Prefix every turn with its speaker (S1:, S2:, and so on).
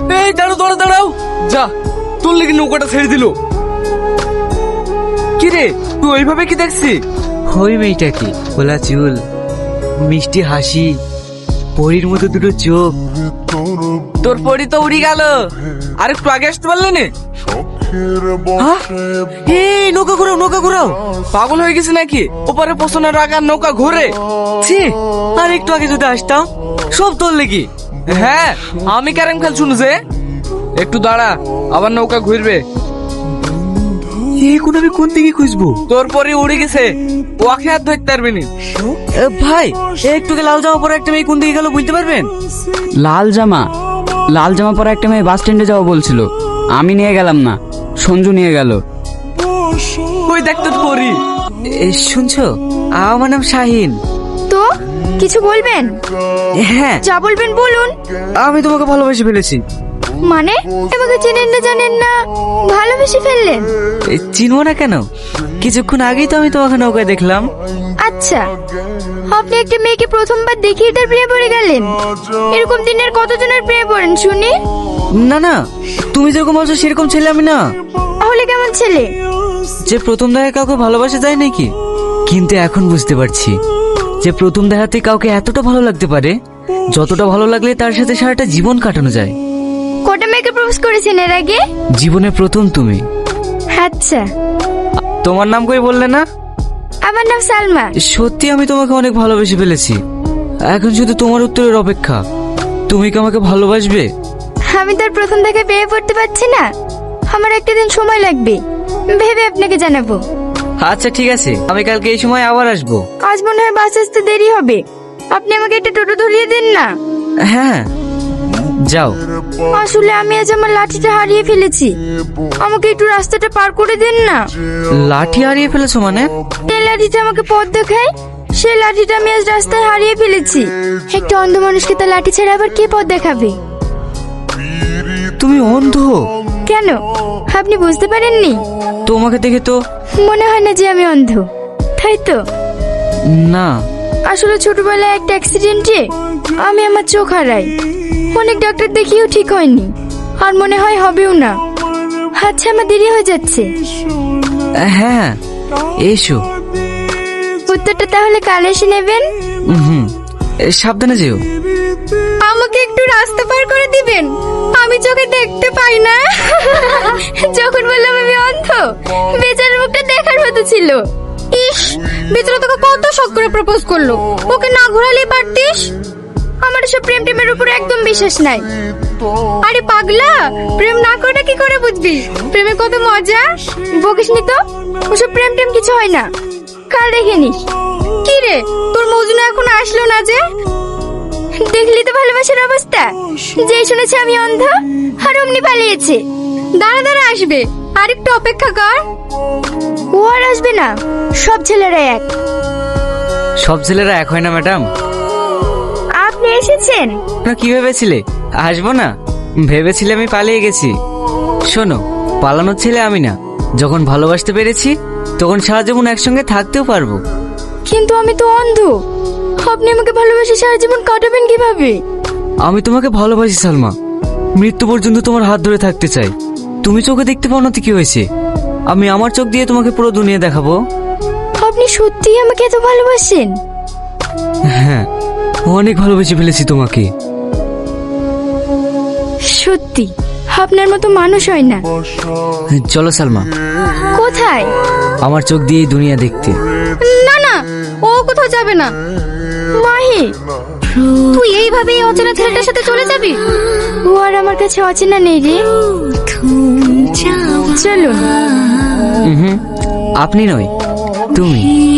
S1: এই দাঁড়াও দাঁড়াও দাঁড়াও, যা তোর লেগে নৌকাটা ছেড়ে দিল। কি রে তুই ওইভাবে কি দেখছি?
S2: ওই মেয়েটা কি, খোলা চুল, মিষ্টি হাসি, পরীর মতো দুটো চোখ।
S1: তোর পরি তো উড়ি গেল, আর একটু আগে আসতে পারলি না?
S2: হ্যাঁ? এই নৌকা ঘুরাও, নৌকা ঘুরাও।
S1: পাগল হয়ে গেছে নাকি? ওপারে পোষণের আগার নৌকা ঘুরে।
S2: ছি, আর একটু আগে যদি আসতাম। সব তোর লেগে।
S1: হ্যাঁ, আমি ক্যারেম খেল শুনু যে। একটু দাঁড়া, আবার নৌকা ঘুরবে।
S2: এখন আমি কোন দিকে খুঁজবো?
S1: তোর পরে উড়ে গেছে, ওকে হাত ধরতে পারবি না।
S2: ভাই, একটু লাল জামা পরে একটা মেয়ে কোন দিকে গেল বুঝতে পারবেন?
S3: লাল জামা পরা একটা মেয়ে বাস স্ট্যান্ডে যাওয়া বলছিল, আমি নিয়ে গেলাম না, সঞ্জু নিয়ে গেল।
S1: ওই দেখতে তো পরি।
S2: শুনছো, আমার নাম শাহিন।
S4: তো কিছু বলবেন?
S2: হ্যাঁ,
S4: যা বলবেন বলুন।
S2: আমি তোমাকে ভালোবেসে ফেলেছি।
S4: মানে আমাকে চেনেন না জানেন না, ভালোবেসে ফেললেন?
S2: চিনবো না কেন? কিছুক্ষণ আগেই তো আমি তোমাকে নৌকায় দেখলাম।
S4: আচ্ছা, আপনি একটা মেয়েকে প্রথমবার দেখিয়ে তার প্রেমে পড়ে গেলেন? এরকম দিনের কতজনের প্রেমে পড়েন শুনি?
S2: না না, তুমি যেরকম বলছো সেরকম ছেলে আমি না।
S4: তাহলে কেমন ছেলে?
S2: যে প্রথম দেখায় কাউকে ভালোবাসা যায় নাকি? কিন্তু এখন বুঝতে পারছি যে প্রথম দেখাতে কাউকে এতটা ভালো লাগতে পারে, যতটা ভালো লাগলে তার সাথে সারাটা জীবন কাটানো যায়।
S4: কটা মেয়েকে প্রপোজ করেছেন এর আগে?
S2: জীবনে প্রথম তুমি।
S4: আচ্ছা,
S2: তোমার নাম কই বললে না?
S4: আমার নাম সালমা।
S2: সত্যি আমি তোমাকে অনেক ভালোবেসে ফেলেছি। এখন শুধু তোমার উত্তরের অপেক্ষা। তুমি কি আমাকে ভালোবাসবে?
S4: আমি তার প্রথম দেখে বিয়ে পড়তে পারছি না, আমার একটা দিন সময় লাগবে, ভেবে আপনাকে জানাবো।
S2: আচ্ছা ঠিক আছে, আমি কালকে এই সময় আবার আসবো।
S4: আজ মনে হয় বাস আসতে দেরি হবে, আপনি আমাকে একটা টোটো ধরিয়ে দিন না।
S2: হ্যাঁ, যাও।
S4: আসলে আমি আজ আমার লাঠিটা হারিয়ে ফেলেছি, আমাকে একটু রাস্তাটা পার করে দিন না।
S2: লাঠি হারিয়ে ফেলেছো মানে?
S4: এই লাঠিটা আমাকে পথ দেখায়, সেই লাঠিটা আমি আজ রাস্তায় হারিয়ে ফেলেছি। একটা অন্ধ মানুষকে তার লাঠি ছেড়ে আবার কে পথ দেখাবে?
S2: তুমি অন্ধ?
S4: কেন, আপনি বুঝতে পারেননি?
S2: তোমাকে দেখে তো
S4: মনে হয় না যে আমি অন্ধ, তাই তো?
S2: না।
S4: আসলে ছোটবেলায় একটা অ্যাক্সিডেন্টে আমি আমার চোখ হারাই, অনেক ডাক্তার দেখিয়েও ঠিক হয়নি, আর মনে হয় হবেও না। আচ্ছা, আমার দেরি হয়ে যাচ্ছে।
S2: হ্যাঁ, এসো।
S4: উত্তরটা তাহলে কাল এসে নেবেন।
S2: হুম, সাবধানে যেও।
S4: আমাকে একটু রাস্তা পার করে দিবেন, আমি চোখে দেখতে পাই না। যখন বললাম আমি অন্ধ, বেচারার মুখটা দেখার মতো ছিল। ইস, বেচারা তোকে কত শখ করে প্রপোজ করলো, ওকে না ঘোরালেই পারতিস। আমার সব প্রেম টেমের উপর একদম বিশ্বাস নাই। আরে পাগলা, প্রেম না করে কি করে বুঝবি প্রেমে কত মজা? বকিসনি তো, ওসব প্রেম টেম কিছু হয় না, কাল দেখে নিস। কি রে, তোর মজনু এখন আসলো না যে? দেখলি তো ভালোবাসার অবস্থা, যেই শুনেছে আমি অন্ধ আর অমনি পালিয়েছে। দাঁড়া দাঁড়া, আসবে, আর একটু অপেক্ষা কর। ও আর আসবে না, সব ছেলেরা এক।
S2: সব ছেলেরা এক হয় না ম্যাডাম।
S4: আপনি এসেছেন?
S2: না, কি ভেবেছিলে আসবো না? ভেবেছিলে আমি পালিয়ে গেছি? শোনো, পালানোর ছেলে আমি না। যখন ভালোবাসতে পেরেছি তখন সারা জীবন একসঙ্গে থাকতেও পারবো।
S4: কিন্তু আমি তো অন্ধ, আপনি আমাকে ভালোবাসে সারা জীবন কাটাবেন কিভাবে?
S2: আমি তোমাকে ভালোবাসি সালমা, মৃত্যু পর্যন্ত তোমার হাত ধরে থাকতে চাই। তুমি চোখে দেখতে পাও না তো কি হয়েছে? আমি আমার চোখ দিয়ে তোমাকে পুরো দুনিয়া দেখাবো।
S4: আপনি সত্যিই আমাকে এত ভালোবাসেন?
S2: হ্যাঁ, অনেক ভালোবেসে ফেলেছি তোমাকে।
S4: সত্যি আপনার মতো মানুষ হয় না।
S2: চলো সালমা।
S4: কোথায়?
S2: আমার চোখ দিয়ে এই দুনিয়া দেখতে।
S4: না না, ও কোথাও যাবে না। মাহি, তুই এইভাবে এই অচেনা ছেলেটার সাথে চলে যাবি? ও আর আমার কাছে অচেনা নেই রে, চলুন।
S2: আপনি নয়, তুমি।